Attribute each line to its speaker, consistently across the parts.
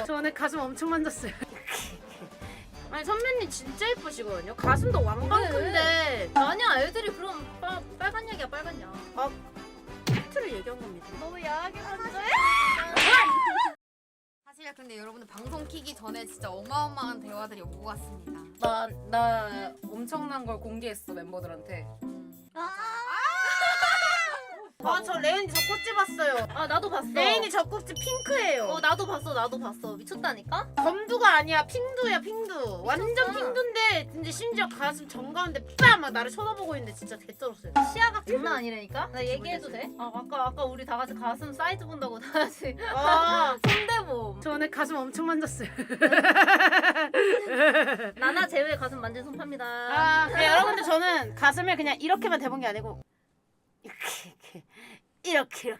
Speaker 1: 저 오늘 가슴 엄청 만졌어요. 아니 선배님 진짜 예쁘시거든요. 가슴도 왕방큰데.
Speaker 2: 아니야, 애들이 그럼 빨간 약이야, 빨간 약.
Speaker 1: 아, 팩트를 얘기한 겁니다.
Speaker 2: 너무 야하게 만져요?
Speaker 3: 사실 근데 여러분들 방송 키기 전에 진짜 어마어마한 대화들이 오고 갔습니다.
Speaker 4: 나 엄청난 걸 공개했어 멤버들한테.
Speaker 1: 아, 저 레인이 젖꼭지 봤어요.
Speaker 2: 아, 나도 봤어.
Speaker 1: 레인이 젖꼭지 핑크예요.
Speaker 2: 나도 봤어. 미쳤다니까?
Speaker 1: 검두가 아니야, 핑두야, 핑두. 완전 핑두인데 근데 심지어 가슴 정가운데 빡! 막 나를 쳐다보고 있는데 진짜 개쩔었어요.
Speaker 2: 시야각 장난 아니라니까? 나 얘기해도 돼? 아까 우리 다 같이 가슴 사이즈 본다고 다 같이
Speaker 1: 아,
Speaker 2: 손대봄.
Speaker 1: 저 오늘 가슴 엄청 만졌어요.
Speaker 2: 나나 제외 가슴 만진 손 팝니다.
Speaker 1: 아, 네, 여러분들 저는 가슴을 그냥 이렇게만 대본 게 아니고 이렇게.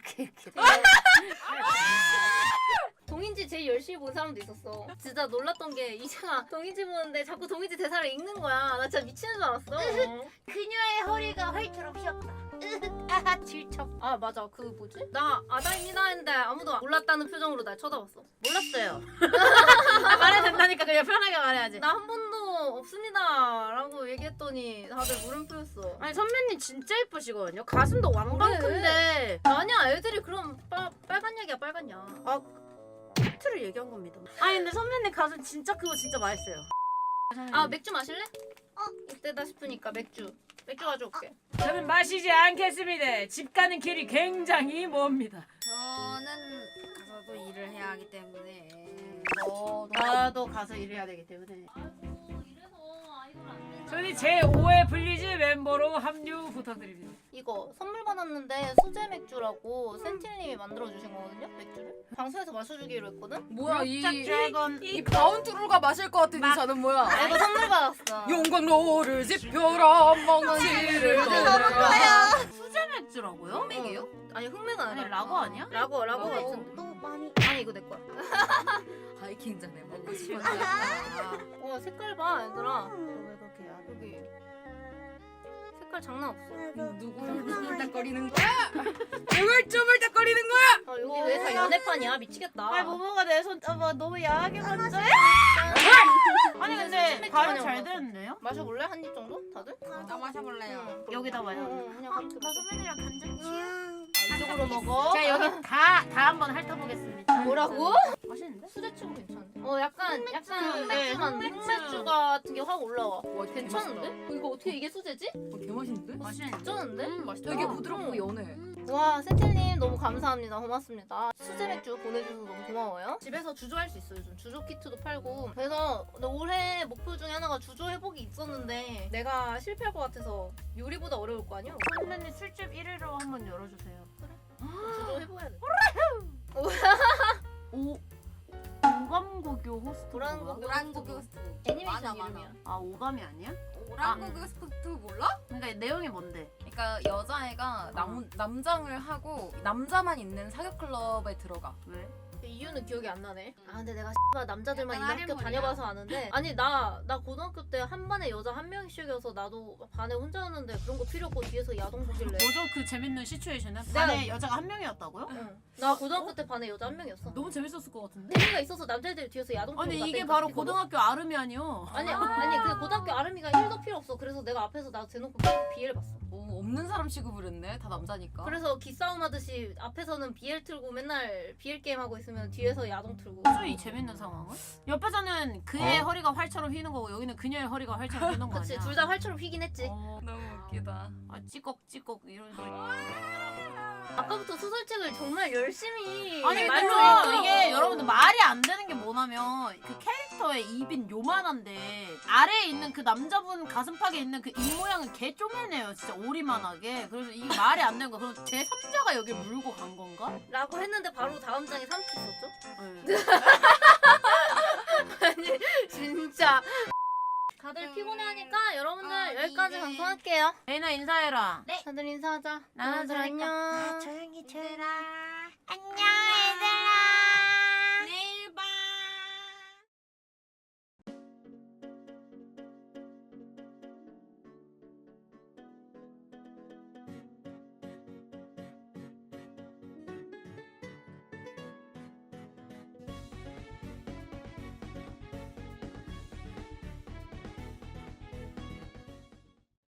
Speaker 2: 동인지 제일 열심히 본 사람도 있었어. 진짜 놀랐던 게 이제가 동인지 보는데 자꾸 동인지 대사를 읽는 거야. 나 진짜 미치는 줄 알았어.
Speaker 1: 그녀의 허리가 활처럼 휘었다. 아하, 질척.
Speaker 2: 아 맞아, 그 뭐지? 나 아다입니다 했는데 아무도 몰랐다는 표정으로 날 쳐다봤어.
Speaker 1: 몰랐어요. 아, 말해도 된다니까 그냥 편하게 말해야지.
Speaker 2: 나 한 번도 없습니다 라고 얘기했더니 다들 물음표였어.
Speaker 1: 아니 선배님 진짜 예쁘시거든요. 가슴도 왕방큰데.
Speaker 2: 아니야, 애들이 그럼 빨간 약이야, 빨간 약.
Speaker 1: 아, 팩트를 얘기한 겁니다. 아니 근데 선배님 가슴 진짜 크고 진짜 맛있어요.
Speaker 2: 아, 맥주 마실래? 이때다 싶으니까 맥주 가져올게.
Speaker 4: 저는 마시지 않겠습니다. 집 가는 길이 굉장히 멉니다.
Speaker 3: 저는 가서도 일을 해야 하기 때문에
Speaker 1: 나도 가서 일해야 되기 때문에.
Speaker 2: 이래서 아이돌 안 돼.
Speaker 4: 저는 제5회 블리즈 멤버로 합류 부탁드립니다.
Speaker 2: 이거 선물 받았는데 수제 맥주라고 센틸님이 만들어주신 거거든요, 맥주를. 방송에서 마셔주기로 했거든?
Speaker 4: 뭐야
Speaker 1: 드래곤.
Speaker 4: 이 바운트루가 마실 것 같은 이 잔은 뭐야?
Speaker 2: 이거 선물 받았어.
Speaker 4: 용광로를 지펴라 멍치를
Speaker 1: 수제 맥주라고요?
Speaker 3: 맥이에요?
Speaker 2: 아니, 흑맥은
Speaker 1: 아니
Speaker 2: 아니야.
Speaker 1: 라거 아니야?
Speaker 2: 라거
Speaker 3: 어,
Speaker 2: 같은데.
Speaker 3: 많이
Speaker 2: 아니, 이거 내 거야.
Speaker 3: 하이킹 전에 먹고
Speaker 2: 와, 색깔 봐, 얘들아.
Speaker 1: 왜 그렇게 해야 돼?
Speaker 2: 여기 색깔 장난 없어.
Speaker 3: 누구를 쭈물딱거리는 거야?
Speaker 4: 누굴 쭈물딱거리는 거야?
Speaker 2: 아, 여기 왜 다 연애판이야? 미치겠다.
Speaker 1: 아니 모모가 내 손 너무 야하게 만져요. 아니 근데
Speaker 2: 맥주
Speaker 1: 발음
Speaker 2: 마냥
Speaker 1: 잘
Speaker 2: 먹었어.
Speaker 1: 되는데요?
Speaker 2: 마셔볼래? 한 입 정도? 다들?
Speaker 3: 나 마셔볼래요.
Speaker 1: 여기다 봐요.
Speaker 2: 그냥 그렇게 마셔.
Speaker 1: 선배님이랑 간장
Speaker 2: 이쪽으로 먹어.
Speaker 1: 제가 여기 다 한번 핥아보겠습니다.
Speaker 2: 뭐라고?
Speaker 1: 맛있는데?
Speaker 2: 수제치고 괜찮은데? 약간
Speaker 1: 네,
Speaker 2: 흑맥주만
Speaker 1: 흑맥주.
Speaker 2: 흑맥주 같은 게 확 올라와.
Speaker 4: 와
Speaker 2: 괜찮은데? 이거 어떻게 이게 수제지?
Speaker 4: 개맛있는데?
Speaker 1: 맛있는데?
Speaker 2: 괜찮은데?
Speaker 4: 맛있다. 되게 부드럽고 연해.
Speaker 2: 와, 센텔님 너무 감사합니다. 고맙습니다. 수제 맥주 보내주셔서 너무 고마워요. 집에서 주조할 수 있어요. 요즘 주조 키트도 팔고. 그래서 올해 목표 중에 하나가 주조 회복이 있었는데 내가 실패할 것 같아서 요리보다 어려울 거 아니야?
Speaker 1: 선배님 술집 1위로 한번 열어주세요.
Speaker 2: 주조 해봐야 돼.
Speaker 1: 오감고교 호스트.
Speaker 2: 오랑고교.
Speaker 3: 오랑고교 호스트.
Speaker 2: 애니메이션
Speaker 3: 많아.
Speaker 2: 이름이야.
Speaker 1: 아 오감이 아니야?
Speaker 3: 오랑고교 호스트 몰라?
Speaker 1: 그러니까 내용이 뭔데?
Speaker 3: 그러니까 여자애가 남장을 하고 남자만 있는 사교 클럽에 들어가.
Speaker 1: 왜?
Speaker 2: 그 이유는 기억이 안 나네. 아, 근데 내가 남자들만
Speaker 3: 약간
Speaker 2: 있는 학교
Speaker 3: 할인물이야.
Speaker 2: 다녀봐서 아는데. 아니, 나 고등학교 때 한 반에 여자 한 명씩이어서 나도 반에 혼자였는데 그런 거 필요 없고 뒤에서 야동 보길래.
Speaker 1: 뭐죠 그 재밌는 시츄에이션은?
Speaker 2: 내가-
Speaker 1: 반에 여자가 한 명이었다고요?
Speaker 2: 응. 나 고등학교 때 반에 여자 한 명이었어.
Speaker 1: 너무 재밌었을 것 같은데?
Speaker 2: 재미가 있어서 남자애들이 뒤에서 야동 보고
Speaker 1: 아니
Speaker 2: 나
Speaker 1: 이게
Speaker 2: 때리고
Speaker 1: 바로
Speaker 2: 싶거든.
Speaker 1: 고등학교 아름이 아니요.
Speaker 2: 아니 그 고등학교 아름이가 1도 필요 없어. 그래서 내가 앞에서 나 대놓고 BL 봤어.
Speaker 3: 없는 사람 취급을 했네. 다 남자니까.
Speaker 2: 그래서 기싸움 하듯이 앞에서는 BL 틀고 맨날 BL 게임 하고 있으면 뒤에서 야동 틀고.
Speaker 1: 뭐죠 이 재밌는 상황은? 옆에서는 그의 허리가 활처럼 휘는 거고 여기는 그녀의 허리가 활처럼 휘는 거 아니야?
Speaker 2: 그치, 둘 다 활처럼 휘긴 했지.
Speaker 3: 너무 웃기다.
Speaker 1: 아 찌꺽찌꺽 이런 소리.
Speaker 2: 아까부터 소설책을 정말 열심히
Speaker 1: 아니
Speaker 2: 말로
Speaker 1: 물론
Speaker 2: 읽어.
Speaker 1: 이게 여러분들 말이 안 되는 게 뭐냐면 그 캐릭터의 입인 요만한데 아래에 있는 그 남자분 가슴팍에 있는 그 입 모양은 개 쪼매네요 진짜 오리만하게. 그래서 이게 말이 안 되는 거. 그럼 제 3자가 여기 물고 간 건가?
Speaker 2: 라고 했는데 바로 다음 장에 3피 있었죠?
Speaker 1: 네.
Speaker 2: 아니 진짜 다들 피곤해하니까 여러분들 여기까지 방송할게요.
Speaker 1: 레이나 인사해라.
Speaker 2: 다들 인사하자.
Speaker 1: 나는
Speaker 2: 다들 안녕.
Speaker 1: 조용히 들어. 안녕 얘들아.